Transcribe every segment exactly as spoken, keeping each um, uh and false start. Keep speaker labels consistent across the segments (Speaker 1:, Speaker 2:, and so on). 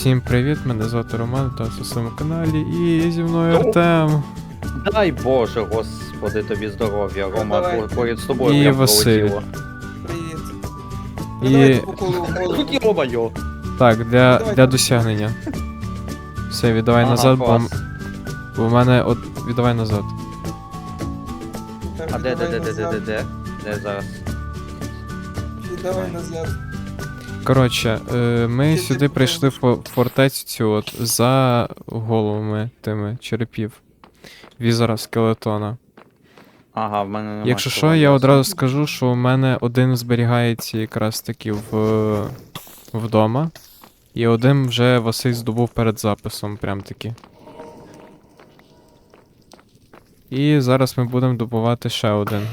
Speaker 1: Всім привіт, мене звати Роман, та на своєму каналі, і зі мною Артем.
Speaker 2: Дай Боже, господи, тобі здоров'я, Рома,
Speaker 3: давай.
Speaker 2: по- поряд з тобою
Speaker 1: І
Speaker 2: прям
Speaker 1: Василь.
Speaker 2: пролетіло.
Speaker 3: Привіт.
Speaker 1: І-
Speaker 3: І... Давайте по колу в голову.
Speaker 2: Тут йо-моє.
Speaker 1: Так, для,
Speaker 3: Давай.
Speaker 1: для досягнення. Все, віддавай
Speaker 2: Ага,
Speaker 1: назад, бо,
Speaker 2: клас.
Speaker 1: бо в мене от. Віддавай назад.
Speaker 3: Так,
Speaker 2: А де, де, де,
Speaker 3: віддавай
Speaker 2: де, де, де,
Speaker 3: назад.
Speaker 2: де? Де зараз?
Speaker 3: Віддавай назад.
Speaker 1: Коротше, е, ми
Speaker 3: Ти- ти
Speaker 1: сюди прийшли в
Speaker 3: покажеш.
Speaker 1: фо- фортецю цю от за головами тими черепів. Візера скелетона.
Speaker 2: Ага, в мене немає.
Speaker 1: Якщо що, я одразу скажу, що у мене один зберігається якраз таки в вдома, і один вже Василь здобув перед записом, прям таки. І зараз ми будемо добувати ще один.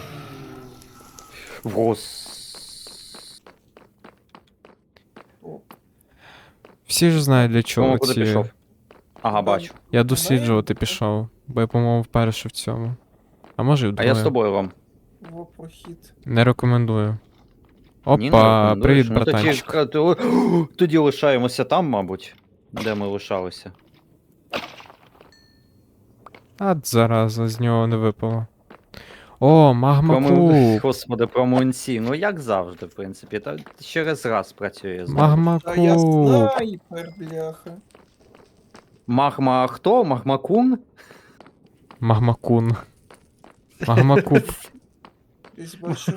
Speaker 2: Гос.
Speaker 1: Всі ж знають для чого
Speaker 2: Рома, куди
Speaker 1: ці.
Speaker 2: пішов? Ага, бачу.
Speaker 1: Я досліджувати пішов, бо я, по-моєму, вперше в цьому. А може і
Speaker 2: А
Speaker 1: вдвоє.
Speaker 2: я з тобою, Ром.
Speaker 3: Во прохід.
Speaker 1: Не рекомендую.
Speaker 2: Ні, не
Speaker 1: Опа,
Speaker 2: рекомендуєш?
Speaker 1: привіт,
Speaker 2: Ну, тоді,
Speaker 1: братанчик.
Speaker 2: ка- то- тоді лишаємося там, мабуть, де ми лишалися.
Speaker 1: А, зараза, з нього не випало. О, магма
Speaker 2: Промо...
Speaker 1: куб.
Speaker 2: Господи, про мунці. Ну як завжди, в принципі. Та через раз працює знову.
Speaker 1: Магма
Speaker 3: А я
Speaker 1: куб.
Speaker 3: снайпер, бляха.
Speaker 2: Магма хто? Магмакун?
Speaker 1: Магмакун. Магма куб.
Speaker 3: Десь бачу.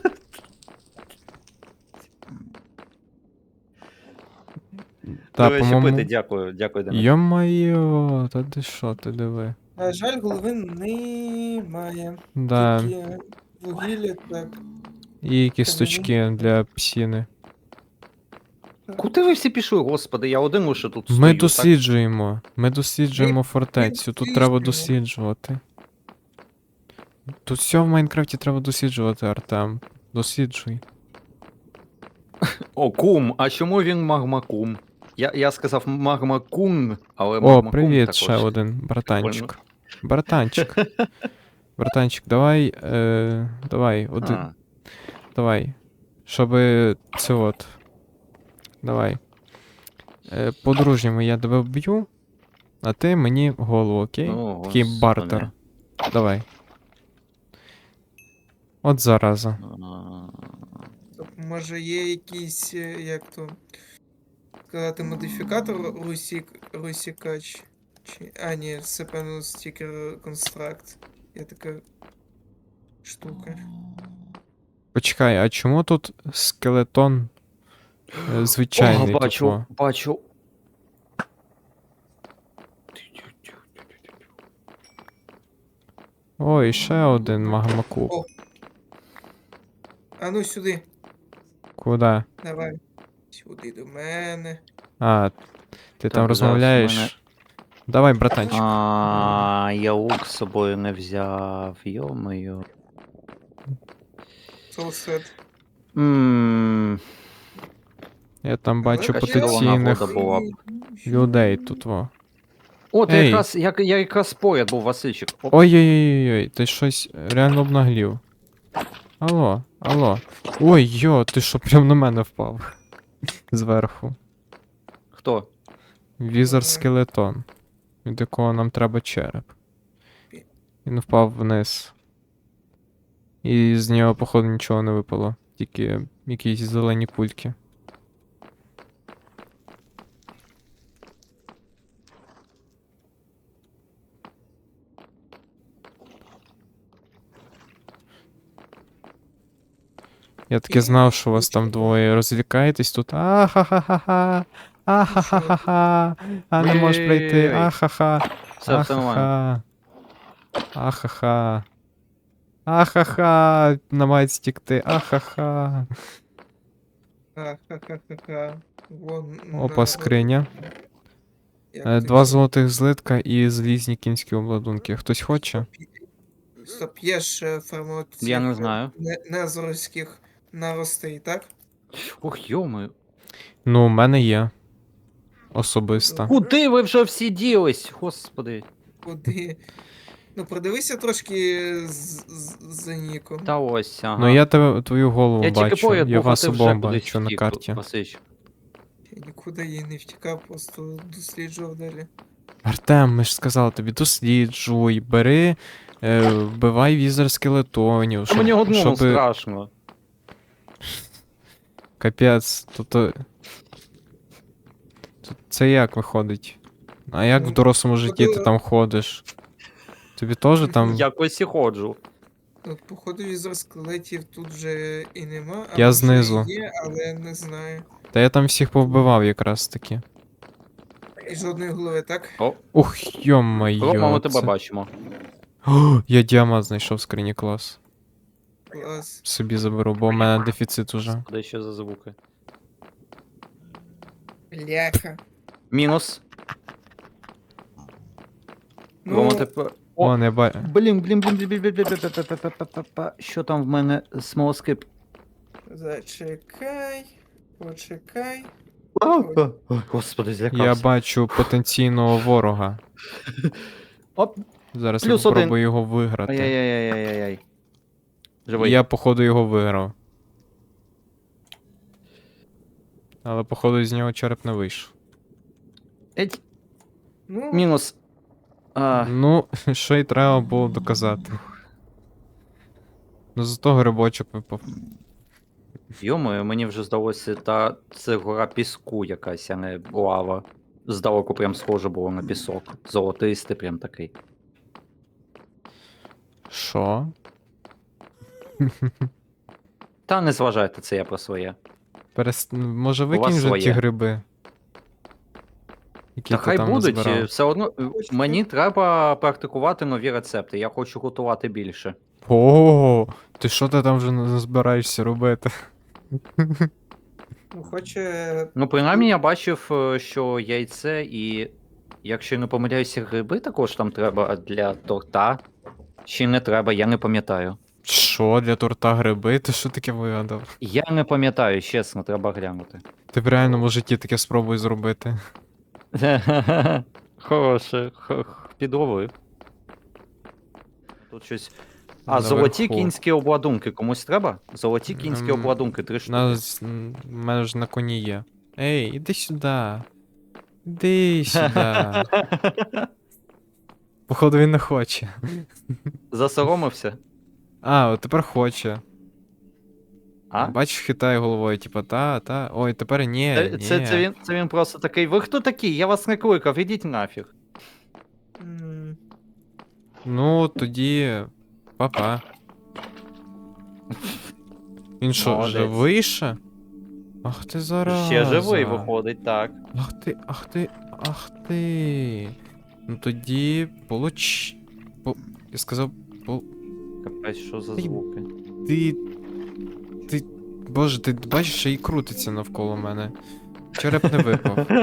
Speaker 1: Та,
Speaker 2: До речі, пити,
Speaker 1: по-моєму.
Speaker 2: дякую, дякую, Денис.
Speaker 1: Йо-майо, та ти що, ти диви.
Speaker 3: На жаль, голови немає.
Speaker 1: Да.
Speaker 3: Тільки вугілля, так.
Speaker 1: І кісточки для псіни.
Speaker 2: Куди ви всі пішли, господи, я один лише тут стою.
Speaker 1: Ми
Speaker 2: так?
Speaker 1: досліджуємо. Ми досліджуємо
Speaker 3: Ми
Speaker 1: фортецю. Тут треба
Speaker 3: досліджуємо.
Speaker 1: досліджувати. Тут все в Майнкрафті треба досліджувати, Артем. Досліджуй.
Speaker 2: О, кум, а чому він магмакум? Я, я сказав магмакун, але
Speaker 1: О,
Speaker 2: магмакум
Speaker 1: привіт,
Speaker 2: також.
Speaker 1: ще один братанчик. Братанчик. Братанчик, давай. Е, давай, один.
Speaker 2: А,
Speaker 1: Давай. Щоби це от. Давай. Е, по-дружньому я тебе вб'ю, а ти мені голову, окей?
Speaker 2: ну,
Speaker 1: Такий
Speaker 2: господи.
Speaker 1: бартер. Давай. От зараза.
Speaker 2: А,
Speaker 3: Стоп, може є якийсь, е, як то сказати, модифікатор русік, русікач? Чи... А, ні, це певно стікер констракт. Є така штука.
Speaker 1: Почекай, а чому тут скелетон е, звичайний?
Speaker 2: О, бачу,
Speaker 1: тупо?
Speaker 2: бачу.
Speaker 1: О, і ще один магмакуб.
Speaker 3: О. А ну сюди.
Speaker 1: Куда?
Speaker 3: Давай. Сюди до мене.
Speaker 1: А, ти там
Speaker 2: Так, зараз
Speaker 1: розмовляєш?
Speaker 2: мене-
Speaker 1: Давай, братанчик.
Speaker 2: А, я лук з собою не взяв, йо-моє.
Speaker 3: Соусет.
Speaker 2: Ммм,
Speaker 1: Я там бачу
Speaker 2: яка чудова
Speaker 1: потенційних
Speaker 2: нагода була б.
Speaker 1: людей тут, во.
Speaker 2: От
Speaker 1: Ей.
Speaker 2: якраз, я, я якраз поряд був, Васильчик. Оп.
Speaker 1: Ой-ой-ой, ти щось реально обнаглів. Алло, алло. Ой, йо, ти що прям на мене впав? Зверху.
Speaker 2: Хто?
Speaker 1: Візер
Speaker 3: Ага.
Speaker 1: скелетон. Від якого нам треба череп. Він впав вниз. І з нього, походу, нічого не випало. Тільки якісь зелені кульки. Я таки знав, що у вас там двоє розвлікаєтесь тут. Ахахаха. Ахахаха. А не можеш пройти.
Speaker 2: Ой-ой-ой.
Speaker 1: Ахаха.
Speaker 2: Все, все нормально.
Speaker 1: Ахаха. Ахаха. Ахаха. Намагають стікти. Ахаха.
Speaker 3: Ха-ха-ха-ха. Вон.
Speaker 1: Опа,
Speaker 3: на-
Speaker 1: скриня.
Speaker 3: як
Speaker 1: Е,
Speaker 3: це
Speaker 1: Два
Speaker 3: всі-
Speaker 1: золотих злитка і злізні кінські обладунки. Хтось хоче?
Speaker 3: Стоп, є ж формат
Speaker 2: Я не знаю.
Speaker 3: незорських наростей, так?
Speaker 2: Ох, йо-моє.
Speaker 1: Ну, у мене є. Особисто.
Speaker 2: Куди ви вже всі ділись? Господи.
Speaker 3: Куди? Ну, продивися трошки з- з- за Ніку.
Speaker 2: Та ось, ага.
Speaker 1: Ну я тебе твою голову
Speaker 2: я тільки
Speaker 1: бачу.
Speaker 2: поряд
Speaker 1: Я
Speaker 2: був, а
Speaker 1: вас
Speaker 2: ти вже
Speaker 1: обом
Speaker 2: кудись
Speaker 1: бачу на
Speaker 2: втік,
Speaker 1: карті.
Speaker 2: Васильчик.
Speaker 3: Я нікуди її не втікав, просто досліджував далі.
Speaker 1: Артем, ми ж сказали тобі, досліджуй, бери, е, вбивай візер скелетонів,
Speaker 2: Та
Speaker 1: щоб,
Speaker 2: мені одному
Speaker 1: щоб...
Speaker 2: страшно.
Speaker 1: Капець, тобто... Тут це як виходить? А як в
Speaker 3: Ну,
Speaker 1: дорослому житті ти
Speaker 3: походу-
Speaker 1: там ходиш? Тобі теж там...
Speaker 2: Якось і ходжу.
Speaker 3: От, походу, візор скелетів тут вже і нема, а
Speaker 1: Я
Speaker 3: може
Speaker 1: знизу.
Speaker 3: і є, але не знаю.
Speaker 1: Та я там всіх повбивав якраз таки.
Speaker 3: І жодної голови, так?
Speaker 2: О,
Speaker 1: Ух, йо-моє.
Speaker 2: Рома, ми тебе
Speaker 1: це-
Speaker 2: бачимо.
Speaker 1: О, я діамат знайшов в скрині, клас.
Speaker 3: Клас.
Speaker 1: Собі заберу, бо в мене дефіцит уже.
Speaker 2: Де ще за звуки?
Speaker 3: Бляха.
Speaker 2: Мінус.
Speaker 3: Ну,
Speaker 2: Рома, тепер... О,
Speaker 1: О, не ба...
Speaker 2: блін, блін, блін, блін, блін, блін, блін, блін, блін, блін, блін, блін. Що там в мене смолоскип?
Speaker 3: зачекай. Почекай.
Speaker 2: Ой, господи,
Speaker 1: Я
Speaker 2: злякався.
Speaker 1: бачу потенційного ворога.
Speaker 2: Оп,
Speaker 1: Зараз
Speaker 2: Плюс
Speaker 1: я
Speaker 2: один.
Speaker 1: попробую його виграти.
Speaker 2: ай-яй-яй-яй-яй-яй.
Speaker 1: І
Speaker 2: Живий.
Speaker 1: я, походу, його виграв. Але, походу, з нього череп не вийшов.
Speaker 2: Еть,
Speaker 3: Ну,
Speaker 2: мінус. А,
Speaker 1: Ну, що й треба було доказати. Ну, зато грибочок випав.
Speaker 2: йомою, мені вже здалося, та це гора піску якась, а не лава. Здалеку прям схоже було на пісок. Золотистий прям такий.
Speaker 1: Що?
Speaker 2: Та не зважайте, це я про своє.
Speaker 1: Перест... Може,
Speaker 2: вас
Speaker 1: викинь вже ті
Speaker 2: своє.
Speaker 1: гриби? Які
Speaker 2: Та
Speaker 1: ти
Speaker 2: хай
Speaker 1: там
Speaker 2: будуть,
Speaker 1: назбирав?
Speaker 2: е, все одно е,
Speaker 3: Хочете?
Speaker 2: мені треба практикувати нові рецепти. Я хочу готувати більше.
Speaker 1: О, ти що ти там вже не збираєшся робити?
Speaker 3: ну, хоче.
Speaker 2: Ну, принаймні, я бачив, е, що яйце і, якщо я не помиляюся, гриби також там треба для торта. Чи не треба, я не пам'ятаю.
Speaker 1: Що, для торта гриби? Ти що таке вигадав?
Speaker 2: Я не пам'ятаю, чесно, треба глянути.
Speaker 1: Ти в реальному житті таке спробуй зробити.
Speaker 2: Хороше, х- х- підловив. Тут щось. А,
Speaker 1: Наверху.
Speaker 2: золоті кінські обладунки комусь треба? Золоті кінські
Speaker 1: Ем,
Speaker 2: обладунки, три штуки.
Speaker 1: Нас... м, в мене ж на коні є. Ей, іди сюди. Іди сюди. Походу він не хоче.
Speaker 2: Засоромився?
Speaker 1: А, от тепер хоче.
Speaker 2: А?
Speaker 1: Бачиш, хитає головою, типа, та, та. Ой, тепер ні,
Speaker 2: Це,
Speaker 1: ні.
Speaker 2: це, це, він, це він просто такий. Ви хто такі? Я вас не кликав, ідіть нафіг.
Speaker 3: м,
Speaker 1: Ну, тоді. Папа. Він що,
Speaker 2: Молодець.
Speaker 1: живий ще? Ах ти зараза.
Speaker 2: Ще живий виходить, так.
Speaker 1: Ах ти, ах ти, ах ти. Ну тоді получ. По... Я сказав, по...
Speaker 2: Капець, що за
Speaker 1: Ти-
Speaker 2: звуки?
Speaker 1: ти. Ти. Боже, ти бачиш, що і крутиться навколо мене. Череп не випав.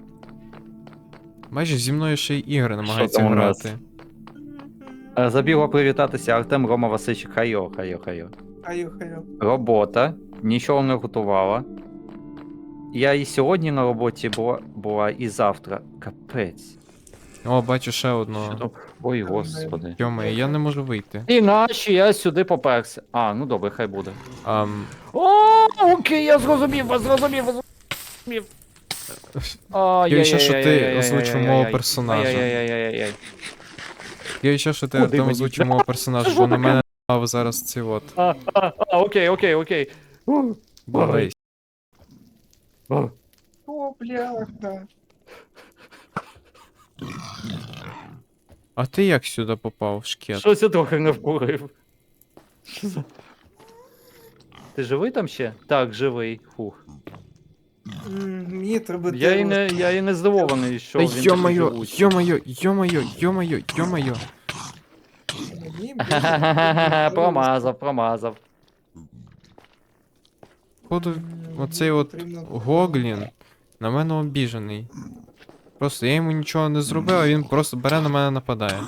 Speaker 1: Бачиш, зі мною ще й ігри намагаються
Speaker 2: там у нас?
Speaker 1: грати.
Speaker 2: Е, Забігло привітатися Артем Рома Васильчик. Хайо, хайо, хайо.
Speaker 3: Хаю, хаю.
Speaker 2: Робота. Нічого не готувала. Я і сьогодні на роботі була, була і завтра. Капець.
Speaker 1: О, бачу ще
Speaker 2: Що
Speaker 1: одного.
Speaker 2: там? Ой, господи.
Speaker 1: Йоме, я не можу вийти.
Speaker 2: І наші я сюди поперся. А, ну добре, хай буде.
Speaker 1: Ам,
Speaker 2: О, окей, я зрозумів, вас зрозумів, вас зрозумів.
Speaker 1: Я ще, що ти озвучив мого персонажа.
Speaker 2: Ай-яй-яй-яй-яй-яй.
Speaker 1: Я ще, що ти
Speaker 2: Куди
Speaker 1: там
Speaker 2: мені?
Speaker 1: озвучив мого персонажа,
Speaker 2: що
Speaker 1: бо на
Speaker 2: таке?
Speaker 1: мене напав зараз ці от.
Speaker 2: А, а, а, окей, окей, окей. У,
Speaker 1: Болей.
Speaker 2: о.
Speaker 3: О, бляха.
Speaker 1: А ти як сюди попав, шкет?
Speaker 2: Щось я трохи не вкурив. Що за- Ти живий там ще? Так, живий. Фух.
Speaker 3: М, Мені треба
Speaker 2: Я і
Speaker 3: дерево.
Speaker 2: не, я і не здивований, що
Speaker 1: Та
Speaker 2: він такий
Speaker 1: йо-моє,
Speaker 2: живучий.
Speaker 1: йо-моє, йо-моє, йо-моє, йо-моє.
Speaker 3: Мені буде
Speaker 2: Ха-ха-ха-ха,
Speaker 3: дерево.
Speaker 2: Промазав, промазав.
Speaker 1: Походу,
Speaker 3: М,
Speaker 1: оцей
Speaker 3: мені
Speaker 1: от
Speaker 3: потрібно
Speaker 1: Гоглін на мене обіжений. Просто я йому нічого не зробив, а він просто бере на мене нападає.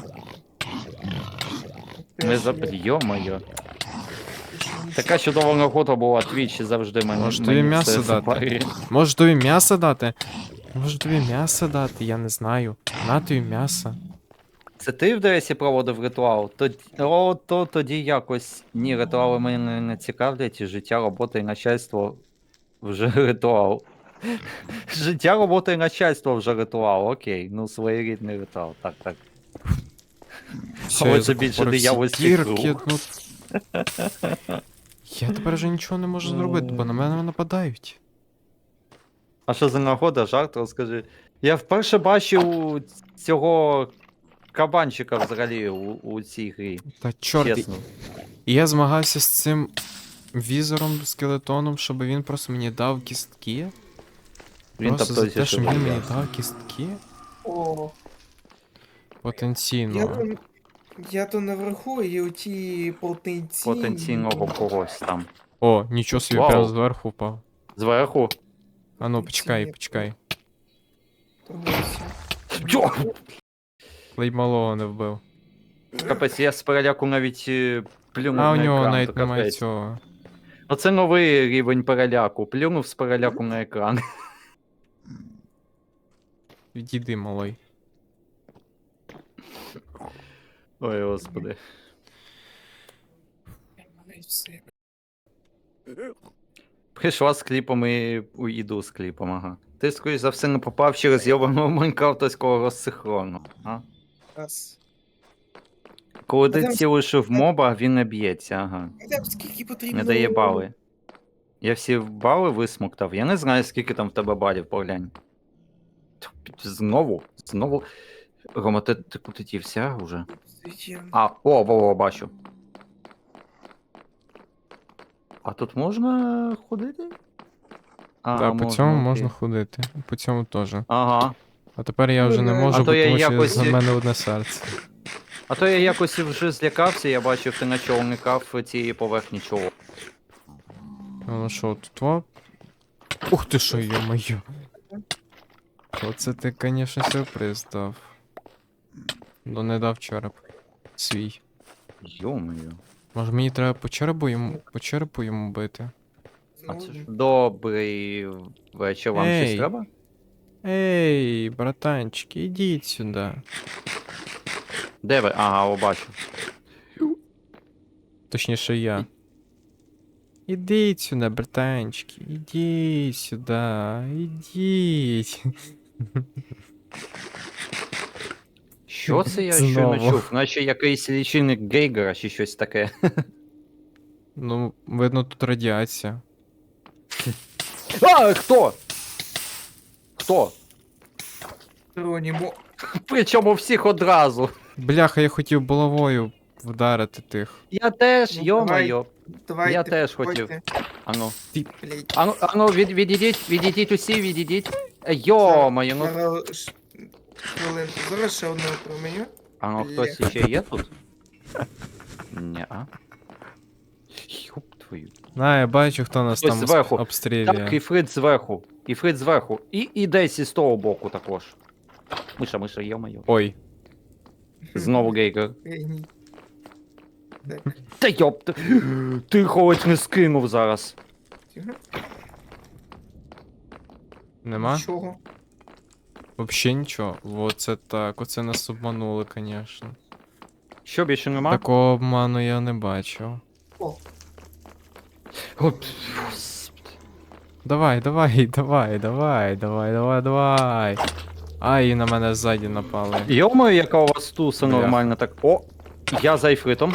Speaker 2: Не
Speaker 3: теж
Speaker 2: за...
Speaker 3: є.
Speaker 2: Йо-моє.
Speaker 3: Нічого.
Speaker 2: Така чудова нагода була, Твіч завжди мене.
Speaker 1: Може,
Speaker 2: мені
Speaker 1: тобі м'ясо
Speaker 2: це
Speaker 1: дати?
Speaker 2: запарює.
Speaker 1: Може тобі м'ясо дати? Може тобі м'ясо дати, я не знаю. На тобі м'ясо.
Speaker 2: Це ти в ДСі проводив ритуал? Тоді, о, то тоді якось. Ні, ритуали мене не цікавлять, і життя, робота і начальство вже ритуал. Життя, робота і начальство вже ритуал, окей. Ну, своєрідний ритуал. Так, так.
Speaker 1: Все,
Speaker 2: Але
Speaker 1: я
Speaker 2: це більше
Speaker 1: закупорив всі
Speaker 2: диявольський
Speaker 1: дірки,
Speaker 2: круг.
Speaker 1: ну... Я тепер вже нічого не можу зробити, бо на мене нападають.
Speaker 2: А що за нагода, жарт, розкажи. Я вперше бачив цього кабанчика взагалі у, у цій грі.
Speaker 1: Та чорт, і-
Speaker 2: Чесно.
Speaker 1: і я змагався з цим візором, скелетоном, щоб він просто мені дав кістки.
Speaker 2: Він
Speaker 1: Просто за
Speaker 2: тобто
Speaker 1: те, що він мені дав кістки.
Speaker 3: О, я
Speaker 1: Потенційно.
Speaker 3: то, я то наверху, і оті потенційні...
Speaker 2: Потенційного когось там.
Speaker 1: О, нічого собі,
Speaker 2: Вау.
Speaker 1: прямо зверху впав.
Speaker 2: Зверху.
Speaker 1: А ну, почекай,
Speaker 3: Ці-
Speaker 1: почекай.
Speaker 3: Дивися.
Speaker 2: Йо!
Speaker 1: Ледь малого не вбив.
Speaker 2: Капець, я з переляку навіть е, плюнув
Speaker 1: А у
Speaker 2: на
Speaker 1: нього
Speaker 2: екран,
Speaker 1: навіть
Speaker 2: то
Speaker 1: немає
Speaker 2: капець.
Speaker 1: цього.
Speaker 2: Оце новий рівень переляку. Плюнув з переляку на екран.
Speaker 1: Відійди, малой.
Speaker 2: Ой, господи. Прийшла з кліпом і уйду з кліпом, ага. Ти, скоріш за все, не попав через йобаного майнкрафтовського розсихрону, а?
Speaker 3: Раз.
Speaker 2: Коли ти
Speaker 3: там-
Speaker 2: цілиш в моба, він не б'ється, ага.
Speaker 3: А там скільки потрібно...
Speaker 2: Не дає бали. Я всі бали висмоктав. Я не знаю, скільки там в тебе балів, поглянь. Знову, знову. Рома, ти, ти куди дівся вже?
Speaker 3: Зачем?
Speaker 2: А, о, во, во, бачу. А тут можна ходити? А,
Speaker 1: Так, по цьому
Speaker 2: окей.
Speaker 1: можна ходити. По цьому теж.
Speaker 2: Ага.
Speaker 1: А тепер я вже не
Speaker 3: Ну,
Speaker 1: можу,
Speaker 2: а то
Speaker 1: бо
Speaker 2: я
Speaker 1: тому що
Speaker 2: якось-
Speaker 1: за мене одне серце.
Speaker 2: А то я якось вже злякався, я бачив, ти начовникав цієї поверхні чого.
Speaker 1: Ну що, тут во? Ух ти що, йо-моє. Оце ти, звісно, сюрприз дав. Ну не дав череп. Свій.
Speaker 2: Йо-моє.
Speaker 1: Може мені треба по черепу йому, по черепу йому бити?
Speaker 2: А
Speaker 3: Ну,
Speaker 2: це ж добрий вечір, вам щось
Speaker 1: Ей.
Speaker 2: треба?
Speaker 1: Ей, братанчики, ідіть сюди.
Speaker 2: Де ви? Ага, о, бачу.
Speaker 1: Точніше я. Ідіть сюди, братанчики, ідіть сюди, ідіть.
Speaker 2: Що це я щойно
Speaker 1: Знову.
Speaker 2: чув? Наче якийсь лічильник Гейгера чи щось таке.
Speaker 1: Ну, видно, тут радіація.
Speaker 2: А, хто? Хто?
Speaker 3: Ронімо.
Speaker 2: Причому всіх одразу.
Speaker 1: Бляха, я хотів булавою вдарити тих.
Speaker 2: Я теж,
Speaker 3: Ну,
Speaker 2: йо-моє.
Speaker 3: Давайте,
Speaker 2: Я теж
Speaker 3: підходьте.
Speaker 2: хотів. Ану.
Speaker 3: Блядь.
Speaker 2: Ану, ану, від, відійдіть, відійдіть усі, відійдіть. Е, Йо-моє, ну.
Speaker 3: Зараз ш- хвилинку. Зараз ще одне променю.
Speaker 2: Ану, хтось ще є тут? Ні-а. Юп твою.
Speaker 1: На, я бачу, хто нас
Speaker 2: Хтось
Speaker 1: там
Speaker 2: зверху.
Speaker 1: обс- обстрілює.
Speaker 2: Так, і Фрид зверху. І Фрид зверху. І, і десь із того боку також. Миша, миша, йо-моє.
Speaker 1: Ой.
Speaker 2: Знову Гейгер.
Speaker 3: Геній. Так,
Speaker 2: Та йоп, ти, ти хоч не скинув зараз.
Speaker 3: тихо.
Speaker 1: Нема?
Speaker 3: Нічого.
Speaker 1: Вообще нічого. Оце так, оце нас обманули, звісно.
Speaker 2: Що, більше нема?
Speaker 1: Такого обману я не бачив.
Speaker 3: О,
Speaker 2: От, господи.
Speaker 1: Давай, давай, давай, давай, давай, давай, давай. Ай, і на мене ззаді напали.
Speaker 2: Йо-моє, яка у вас туса
Speaker 1: Бля.
Speaker 2: нормально так. О, я за Ефритом.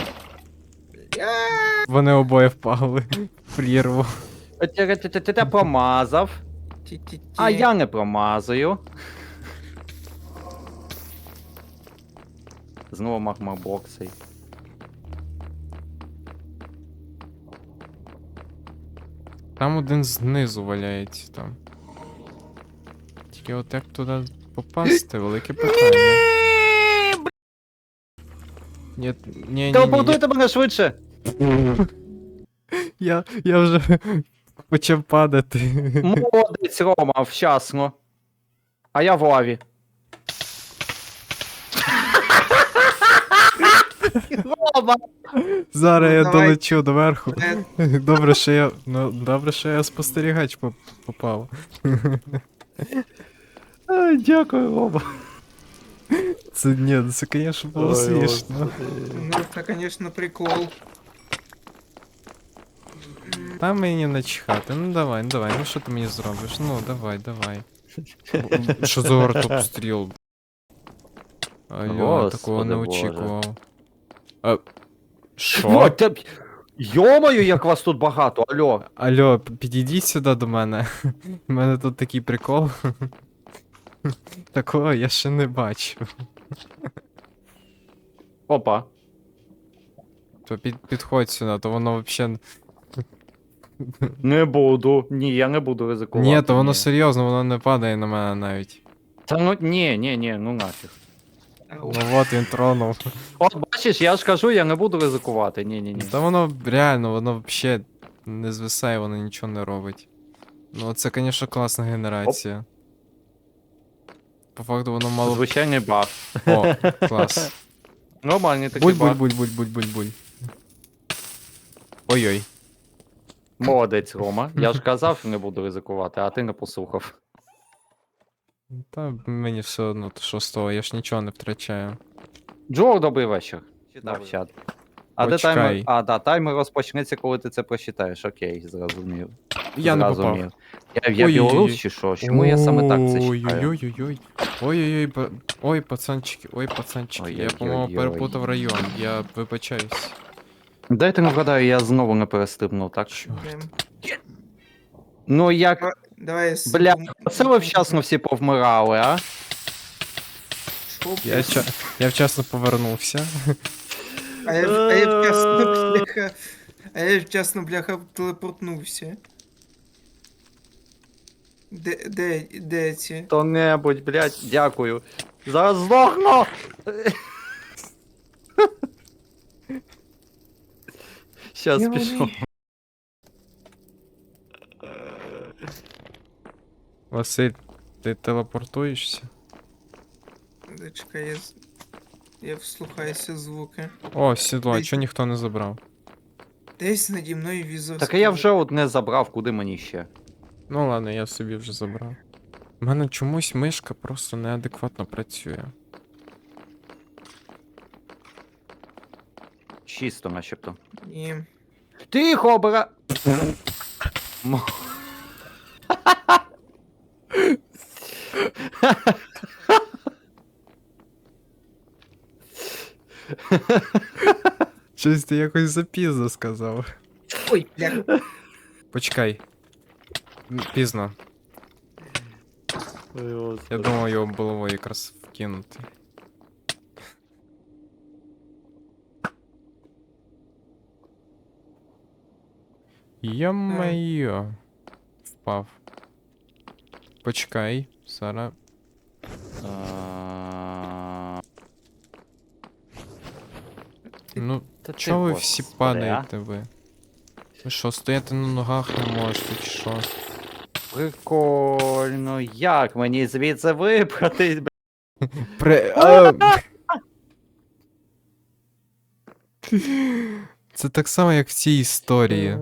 Speaker 1: Вони обоє впали в прірву.
Speaker 2: Ти промазав.
Speaker 3: ті-ті-ті.
Speaker 2: А я не промазую. Знову магмабоксий.
Speaker 1: Там один знизу валяється там. Тільки от як туди попасти, велике питання. Ні, ні, ні, ні, ні.
Speaker 2: Телепортуйте мене швидше!
Speaker 1: Я, я вже почав падати.
Speaker 2: Молодець, Рома, вчасно. А я в лаві. Рома!
Speaker 1: Зараз
Speaker 3: Ну,
Speaker 1: я
Speaker 3: давай.
Speaker 1: долечу доверху.
Speaker 3: Е,
Speaker 1: Добре, що я. Ну, добре, що я спостерігач поп- попав.
Speaker 2: Ай, дякую, Рома.
Speaker 1: Це ні, це, звісно, було
Speaker 2: Ой,
Speaker 1: смішно.
Speaker 3: Ну, це, звісно, прикол.
Speaker 1: Та Та мені начхати. Ну давай, ну давай, ну що ти мені зробиш? Ну, давай, давай. М, Що за артобстріл? Алло, такого не
Speaker 2: Господи Боже.
Speaker 1: очікував. А,
Speaker 2: О,
Speaker 1: що?
Speaker 2: та б- Йомаю, як вас тут багато, алло.
Speaker 1: Алло, п- підійдіть сюди до мене. У мене тут такий прикол. Такого я ще не бачив.
Speaker 2: Опа.
Speaker 1: То під, підходь сюди, то воно взагалі.
Speaker 2: Не буду. Ні, я не буду ризикувати.
Speaker 1: Ні, то воно
Speaker 2: ні.
Speaker 1: серйозно, воно не падає на мене навіть.
Speaker 2: Та ну ні, ні, ні, ну нафіг.
Speaker 3: Ау.
Speaker 1: Ну от він тронув.
Speaker 2: От бачиш, я ж кажу, я не буду ризикувати. Ні, ні, ні.
Speaker 1: Та воно реально, воно взагалі не звисає, воно нічого не робить. Ну це, звісно, класна генерація. По факту воно мало.
Speaker 2: Звичайний баф.
Speaker 1: О, клас.
Speaker 2: Нормальний такий
Speaker 1: Буль буль
Speaker 2: баф.
Speaker 1: буль буль буль буль буль. Ой-ой.
Speaker 2: Молодець, Рома. Я ж казав, що не буду ризикувати, а ти не послухав.
Speaker 1: Та мені все одно, то що з того, я ж нічого не втрачаю.
Speaker 2: Джо, добрий вечір. Читав
Speaker 1: Добрий.
Speaker 2: чат. А де
Speaker 1: Почекай.
Speaker 2: таймер? А, да, таймер розпочнеться, коли ти це прочитаєш. Окей, зрозумів.
Speaker 1: Я не попав.
Speaker 2: Зрозумів. Я, я
Speaker 1: Ой-ой-ой.
Speaker 2: білорус чи що? Чому я саме так це читаю?
Speaker 1: Ой-ой-ой. Ой-ой-ой, па- ой, пацанчики, ой, пацанчики. Я, по-моєму,
Speaker 2: Ой-ой-ой-ой.
Speaker 1: перепутав район. Я вибачаюсь.
Speaker 2: Дайте не вгадаю, я знову не перестрибнув, так?
Speaker 1: Чорт.
Speaker 3: Блін.
Speaker 2: Ну як.
Speaker 3: Давай я с-
Speaker 2: Бля,
Speaker 3: пом-
Speaker 2: оце ви вчасно всі повмирали, а?
Speaker 3: Шо,
Speaker 1: Я,
Speaker 3: блядь?
Speaker 1: ча... я вчасно повернувся.
Speaker 3: А я, в- а я вчасно, бляха. А я вчасно, бляха, телепортнувся. Де, де, де ці?
Speaker 2: Хто-небудь, блядь, дякую. Зараз здохну! Щас
Speaker 3: Я
Speaker 2: пішов.
Speaker 3: вони-
Speaker 1: Василь, ти телепортуєшся?
Speaker 3: Чекай, я, з- я вслухаюся звуки.
Speaker 1: О, сідло, а
Speaker 3: Десь-
Speaker 1: чого ніхто не забрав?
Speaker 3: Десь наді мною візор.
Speaker 2: Так а я вже одне забрав, куди мені ще?
Speaker 1: Ну ладно, я собі вже забрав. У мене чомусь мишка просто неадекватно працює.
Speaker 2: Чисто, начебто.
Speaker 3: Ні.
Speaker 2: Тихо, обира. М-
Speaker 1: Щось ти якось запізно сказав.
Speaker 3: Ой, бля.
Speaker 1: Почекай. М, Пізно. Я думав його головою якраз вкинути. Йо-моє. Впав. Почекай, Сара.
Speaker 2: А,
Speaker 1: Ну,
Speaker 2: та ти,
Speaker 1: чого ви всі
Speaker 2: господи,
Speaker 1: падаєте ви? Ви що, стояти на ногах не можете, чи що?
Speaker 2: Прикольно, як мені звідси вибратись, бля?
Speaker 1: При... а! Це так само, як в цій історії.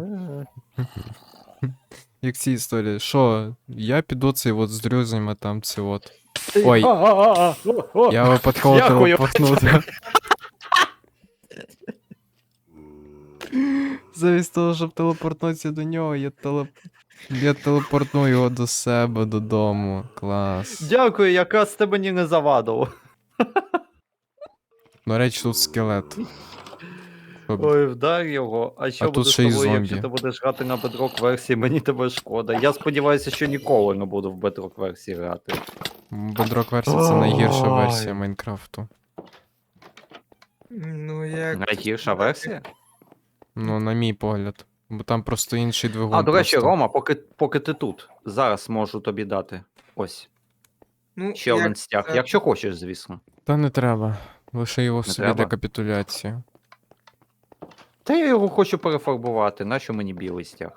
Speaker 1: Як в цій історії. Що, я піду цей от з друзями там це от. Ой. Я випадково
Speaker 2: Дякую.
Speaker 1: телепортнув. Замість того, щоб телепортнутися до нього, я телеп... Я телепортну його до себе додому. Клас.
Speaker 2: Дякую, якраз це мені не завадило.
Speaker 1: До речі, тут скелет. Щоб-
Speaker 2: Ой, вдар його. А що
Speaker 1: А тут
Speaker 2: буде з
Speaker 1: ще й
Speaker 2: тобою, якщо
Speaker 1: зомбі.
Speaker 2: ти будеш грати на Bedrock версії, мені тебе шкода. Я сподіваюся, що ніколи не буду в Bedrock версії грати.
Speaker 1: Bedrock версія це найгірша
Speaker 2: Ой.
Speaker 1: версія Майнкрафту.
Speaker 3: Ну як.
Speaker 2: Найгірша версія?
Speaker 1: Ну, на мій погляд. Бо там просто інший двигун.
Speaker 2: А, до речі,
Speaker 1: просто.
Speaker 2: Рома, поки, поки ти тут, зараз можу тобі дати. Ось,
Speaker 3: Ну,
Speaker 2: ще
Speaker 3: як
Speaker 2: один стяг.
Speaker 3: це?
Speaker 2: Якщо хочеш, звісно.
Speaker 1: Та не треба. Лише його собі
Speaker 2: треба?
Speaker 1: для капітуляції.
Speaker 2: Та я його хочу перефарбувати, нащо мені білий стяг?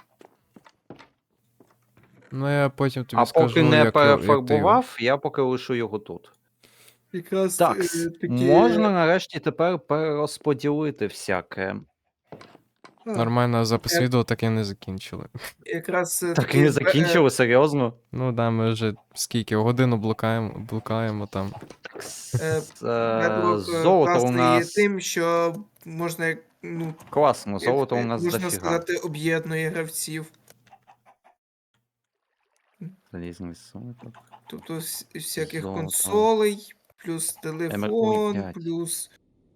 Speaker 1: Ну я потім тобі
Speaker 2: А
Speaker 1: скажу,
Speaker 2: поки не
Speaker 1: як, як ти його-
Speaker 2: перефарбував, я поки лишу його тут.
Speaker 3: Якраз
Speaker 2: Так,
Speaker 3: е, такі...
Speaker 2: можна нарешті тепер перерозподілити всяке.
Speaker 3: А,
Speaker 1: Нормально запис
Speaker 3: Як-
Speaker 1: відео так і не закінчили.
Speaker 3: Якраз е,
Speaker 2: Так
Speaker 3: такі
Speaker 2: і не
Speaker 3: бе-
Speaker 2: закінчили, серйозно?
Speaker 1: Ну да, ми вже скільки, годину блукаємо, блукаємо там.
Speaker 3: Е,
Speaker 2: З- е,
Speaker 3: Bedrock, е,
Speaker 2: Золото у
Speaker 3: класний
Speaker 2: нас.
Speaker 3: тим, що можна як ну,
Speaker 2: Класно,
Speaker 3: як,
Speaker 2: золото у
Speaker 3: е,
Speaker 2: нас
Speaker 3: можна
Speaker 2: дофіга.
Speaker 3: сказати, об'єднує гравців.
Speaker 2: Залізний соток.
Speaker 3: Тобто вс- всяких
Speaker 2: Золото.
Speaker 3: консолей, плюс
Speaker 2: Ем ар
Speaker 3: телефон,
Speaker 2: п'ять.
Speaker 3: плюс.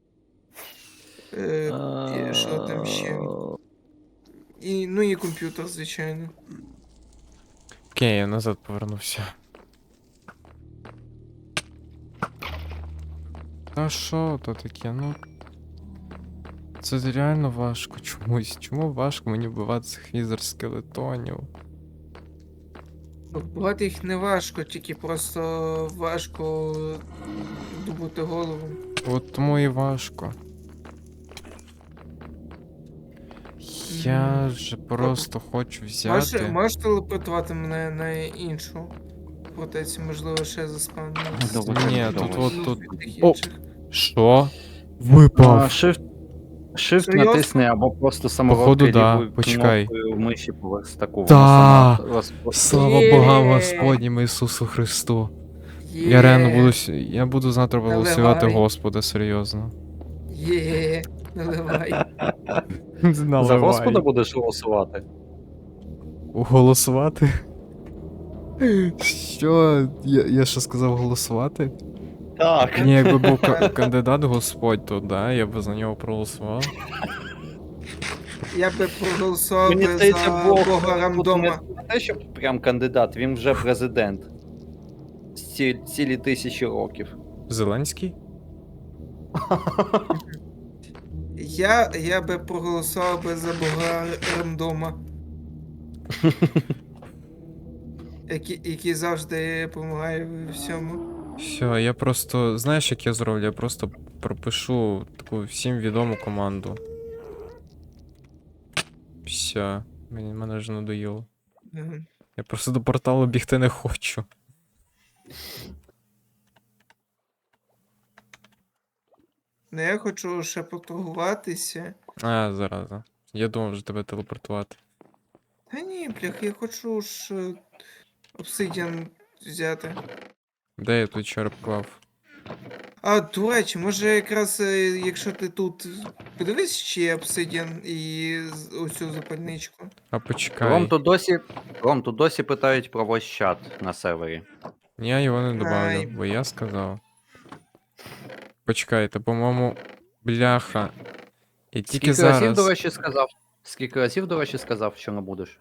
Speaker 3: Е, і що там ще? І, ну і комп'ютер, звичайно.
Speaker 1: Окей, я назад повернувся. Та що то таке, ну. Це реально важко чомусь. Чому важко мені вбивати цих візер скелетонів?
Speaker 3: Ну, вбивати їх не важко, тільки просто важко добути голову.
Speaker 1: От тому і важко. Я
Speaker 3: М,
Speaker 1: ж просто хочу
Speaker 3: Можеш,
Speaker 1: взяти.
Speaker 3: можеш телепортувати мене на іншу фортецю, можливо, ще заспавнилось.
Speaker 2: Добре,
Speaker 1: Ні,
Speaker 2: добре.
Speaker 1: тут от
Speaker 3: Ну,
Speaker 1: тут.
Speaker 3: від тих
Speaker 1: О!
Speaker 3: інших.
Speaker 1: Що?
Speaker 2: А,
Speaker 1: Випав!
Speaker 2: Shift, shift
Speaker 3: Серйозно?
Speaker 2: натисни або просто самородкою
Speaker 1: Походу, да.
Speaker 2: лівою
Speaker 1: Почекай.
Speaker 2: кнопкою миші по верстаку.
Speaker 1: Да.
Speaker 2: Вона сама розпо-
Speaker 1: Слава
Speaker 3: Є.
Speaker 1: Богам Господнім Ісусу Христу. Я реально буду. с- Я буду завтра голосувати
Speaker 3: Наливай.
Speaker 1: Господа, серйозно.
Speaker 3: Є, наливай.
Speaker 2: За Господа будеш голосувати?
Speaker 1: Голосувати? Що? Я, я ще сказав голосувати?
Speaker 2: Так.
Speaker 1: Ні, якби був ка- кандидат Господь, то да, я б за нього проголосував.
Speaker 3: Я би проголосував
Speaker 2: Мені
Speaker 3: би
Speaker 2: здається,
Speaker 3: за
Speaker 2: Бог
Speaker 3: Бога
Speaker 2: тут
Speaker 3: рандома.
Speaker 2: не те, що прям кандидат, він вже президент. Ці, цілі тисячі років.
Speaker 1: Зеленський?
Speaker 3: Я, я би проголосував би за Бога рандома. Який, який завжди допомагає в всьому.
Speaker 1: Все, я просто. Знаєш, як я зроблю? Я просто пропишу таку всім відому команду. Все. Мені мене вже надоїло.
Speaker 3: Мгм.
Speaker 1: Я просто до порталу бігти не хочу.
Speaker 3: Ну я хочу ще поторгуватися.
Speaker 1: А, зараза. Я думав вже тебе телепортувати.
Speaker 3: Та ні, блях, я хочу ж е, обсидіан взяти.
Speaker 1: Де я тут череп клав?
Speaker 3: А, до речі, може якраз е, якщо ти тут подивись, чи є обсидіан і з- оцю запальничку.
Speaker 1: А почекай.
Speaker 2: Ром, тут досі, Ром, тут досі питають про ваш чат на сервері.
Speaker 1: Я його не добавлю,
Speaker 3: Ай.
Speaker 1: бо я сказав. Почекайте, по-моєму, бляха. І тільки
Speaker 2: Скільки
Speaker 1: зараз.
Speaker 2: разів, до речі, сказав? Скільки разів, до речі, сказав, що не будеш?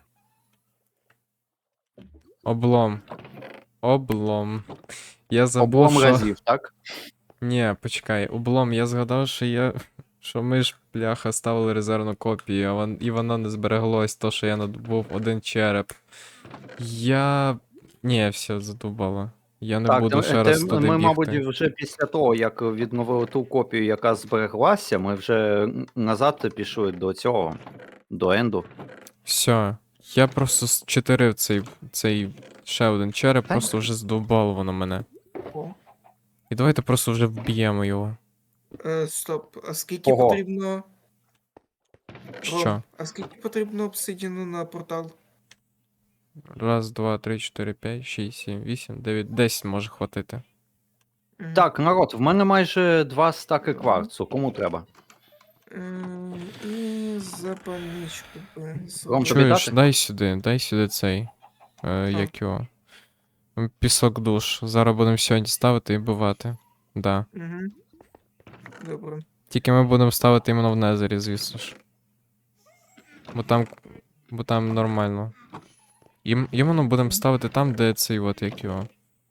Speaker 1: Облом. Облом. Я забув,
Speaker 2: Облом
Speaker 1: що...
Speaker 2: разів, так?
Speaker 1: Ні, почекай, облом, я згадав, що я. Що ми ж, бляха, ставили резервну копію, а вон... і воно не збереглось, то, що я надобув один череп. Я. Ні, все, задубало. Я не
Speaker 2: так,
Speaker 1: буду
Speaker 2: те-
Speaker 1: ще
Speaker 2: те
Speaker 1: раз туди
Speaker 2: ми,
Speaker 1: бігти.
Speaker 2: мабуть, вже після того, як відновили ту копію, яка збереглася, ми вже назад пішли до цього, до енду.
Speaker 1: Все. Я просто зчотирив цей, цей ще один череп,
Speaker 2: Та
Speaker 1: просто вже здовбало воно мене.
Speaker 3: О.
Speaker 1: І давайте просто вже вб'ємо його.
Speaker 3: Е, стоп, а скільки
Speaker 2: Ого.
Speaker 3: потрібно.
Speaker 1: Що?
Speaker 3: Ром, а скільки потрібно обсидіану на портал?
Speaker 1: Раз, два, три, чотири, п'ять, шість, сім, вісім, дев'ять, десять може хватити.
Speaker 3: Мгм.
Speaker 2: Так, народ, в мене майже два стаки кварцу. Кому треба?
Speaker 3: Ем, І запальничку би.
Speaker 2: Ром,
Speaker 3: зробити.
Speaker 2: тобі
Speaker 1: Чуєш,
Speaker 2: дати?
Speaker 1: дай сюди, дай сюди цей. Е,
Speaker 3: Що?
Speaker 1: як його? М, Пісок душ. Зараз будемо сьогодні ставити і бивати. Да.
Speaker 3: Мгм. Добре.
Speaker 1: Тільки ми будемо ставити іменно в Незері, звісно ж. Бо там. Бо там нормально. Ім, іменно будемо ставити там, де цей от як його.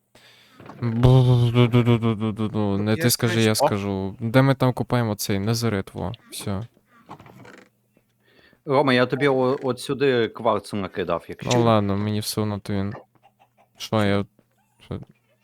Speaker 1: Бу-ду-ду-ду-ду-ду-ду-ду. Не ти
Speaker 3: Я
Speaker 1: скажи,
Speaker 3: знаю,
Speaker 1: я
Speaker 2: що.
Speaker 1: скажу. Де ми там купаємо цей незерит, во. Все.
Speaker 2: Рома, я тобі о- от сюди кварцу накидав, якщо.
Speaker 1: Ну ладно, мені все одно то він. Що я. Що...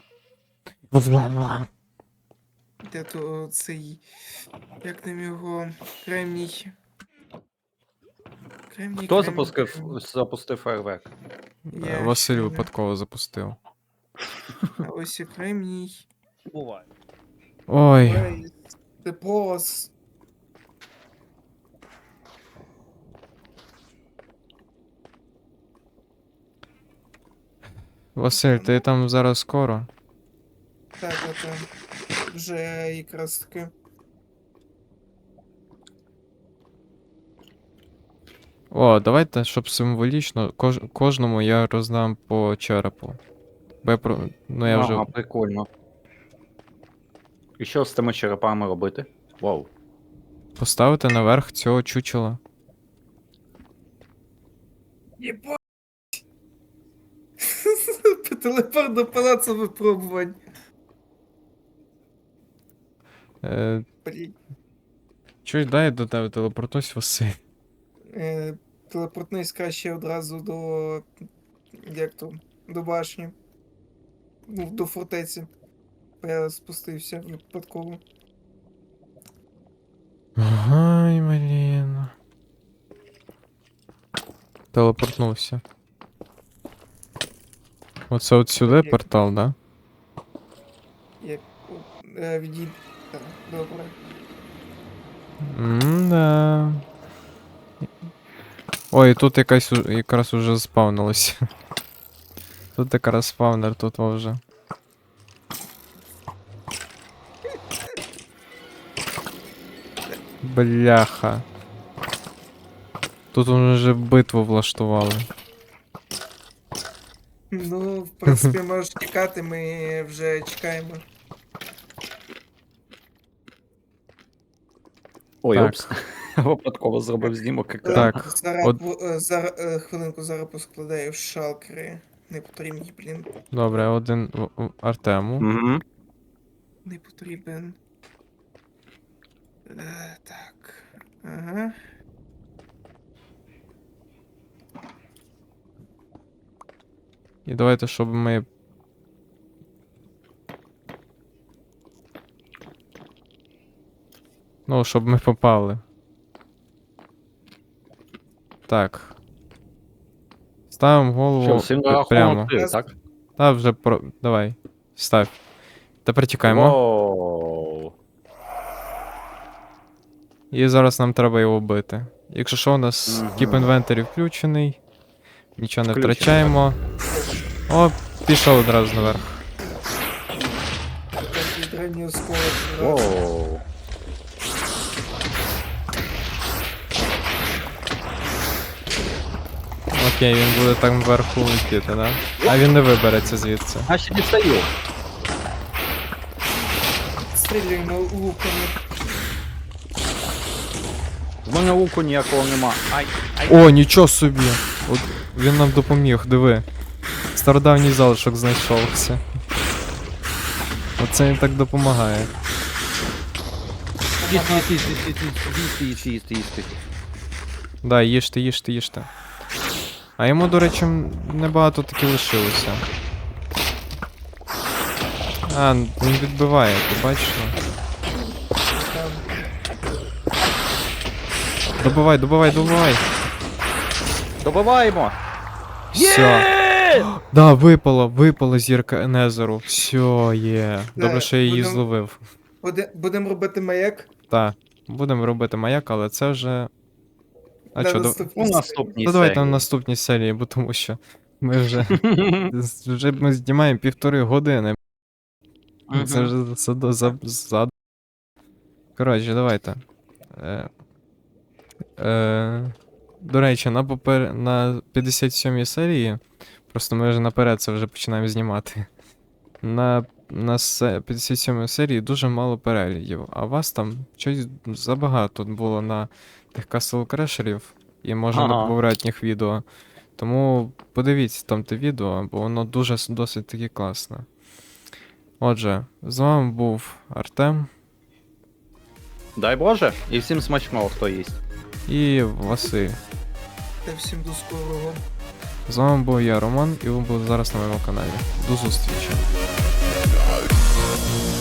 Speaker 3: Де то цей. Як там його. Кремній. Кремній,
Speaker 2: Хто
Speaker 3: кремній,
Speaker 2: запустив,
Speaker 3: кремній.
Speaker 2: запустив фейерверк?
Speaker 3: Я
Speaker 1: Василь
Speaker 3: ще не-
Speaker 1: випадково запустив.
Speaker 3: А ось і кремній.
Speaker 2: Буває.
Speaker 1: Ой.
Speaker 3: Ой, Ти полос.
Speaker 1: Василь, ти там зараз скоро?
Speaker 3: Так, так, так. Вже якраз таки.
Speaker 1: О, давайте, щоб символічно, кож... кожному я роздам по черепу. Бо я про... Ну я вже.
Speaker 2: Ага, прикольно. І що з тими черепами робити? Вау.
Speaker 1: Поставити наверх цього чучела.
Speaker 3: Єбать! Телепорт до палацу випробувань.
Speaker 1: Е...
Speaker 3: Блін.
Speaker 1: Чуєш, дай я до тебе телепортуюсь, Василь.
Speaker 3: Е, телепортнись краще одразу до. Як то? До башні. Ну, до фортеці. Бо я спустився випадково.
Speaker 1: Ай, блін. Телепортнувся. Оце от сюди
Speaker 3: Як-
Speaker 1: портал, да?
Speaker 3: Як. Е, відій... Так, добре.
Speaker 1: М-да. Ой, тут якась у- якраз уже заспавнилось. Тут якраз спавнер, тут во вже. Бляха. Тут вже битву влаштували.
Speaker 3: Ну, в принципі, можеш чекати, ми вже чекаємо.
Speaker 2: Ой,
Speaker 1: Так.
Speaker 2: опс. Випадково зробив знімок екрану.
Speaker 1: Так,
Speaker 3: Зараз,
Speaker 1: от-
Speaker 3: бу- е, зараз, е, хвилинку, зараз поскладаю шалкери. Не потрібні, блін.
Speaker 1: Добре, один в- в Артему.
Speaker 2: Угу.
Speaker 3: Не потрібен. Е, так. Ага.
Speaker 1: І давайте, щоб ми. Ну, щоб ми попали. Так. Ставимо голову
Speaker 2: Що, всім
Speaker 1: пр-
Speaker 2: на
Speaker 1: прямо.
Speaker 2: рахунок три, так?
Speaker 1: Та вже про. Давай. Став. Тепер тікаємо.
Speaker 2: Воу.
Speaker 1: І зараз нам треба його бити. Якщо що, у нас
Speaker 2: Мгм.
Speaker 1: Keep Inventory включений. Нічого не
Speaker 2: Включений,
Speaker 1: втрачаємо. О, пішов одразу наверх.
Speaker 3: Такий древній осколок.
Speaker 2: Воу.
Speaker 1: Окей, він буде там вверху летіти, да? А він не вибереться звідси.
Speaker 2: А ще дістаю.
Speaker 3: Стріляємо луками.
Speaker 2: В мене луку ніякого нема. Ай, ай.
Speaker 1: О, нічого собі! От він нам допоміг, диви. Стародавній залишок знайшовся. Оце він так допомагає.
Speaker 2: Їсти, їсти, їсти, їсти, їсти, їсти, їсти, їсти.
Speaker 1: Да, їжте, їжте, їжте. А йому, до речі, м, небагато таки лишилося. А, він відбиває, ти бачиш?
Speaker 3: Там.
Speaker 1: Добивай, добивай, добивай!
Speaker 2: Добиваємо!
Speaker 1: Все. Да, випало, випала зірка Енезеру. Все, є. Добре,
Speaker 3: Да,
Speaker 1: що я її
Speaker 3: будем-
Speaker 1: зловив.
Speaker 3: Буде, будемо робити маяк.
Speaker 1: Так, будемо робити маяк, але це вже. А
Speaker 3: на
Speaker 1: що, до...
Speaker 3: наступній
Speaker 2: У
Speaker 3: серії.
Speaker 2: наступній
Speaker 1: Ну давайте на
Speaker 2: серії.
Speaker 1: наступній серії, бо тому що ми вже. з- Вже ми знімаємо півтори години. Це
Speaker 2: Мгм.
Speaker 1: вже за, за, за... Коротше, давайте. Е, е, до речі, на, попер... на п'ятдесят сьомій серії. Просто ми вже наперед це вже починаємо знімати. На, на се- п'ятдесят сьомій серії дуже мало переглядів, а вас там щось забагато було на тих Castle Crasherів і може на
Speaker 2: Ага.
Speaker 1: поверхніх відео. Тому подивіться там те відео, бо воно дуже с- досить таки класне. Отже, з вами був Артем
Speaker 2: Дай Боже, і всім смачного, хто їсть.
Speaker 1: і Василь.
Speaker 3: Та всім до скорого.
Speaker 1: З вами був я, Роман, і ви були зараз на моєму каналі. До зустрічі.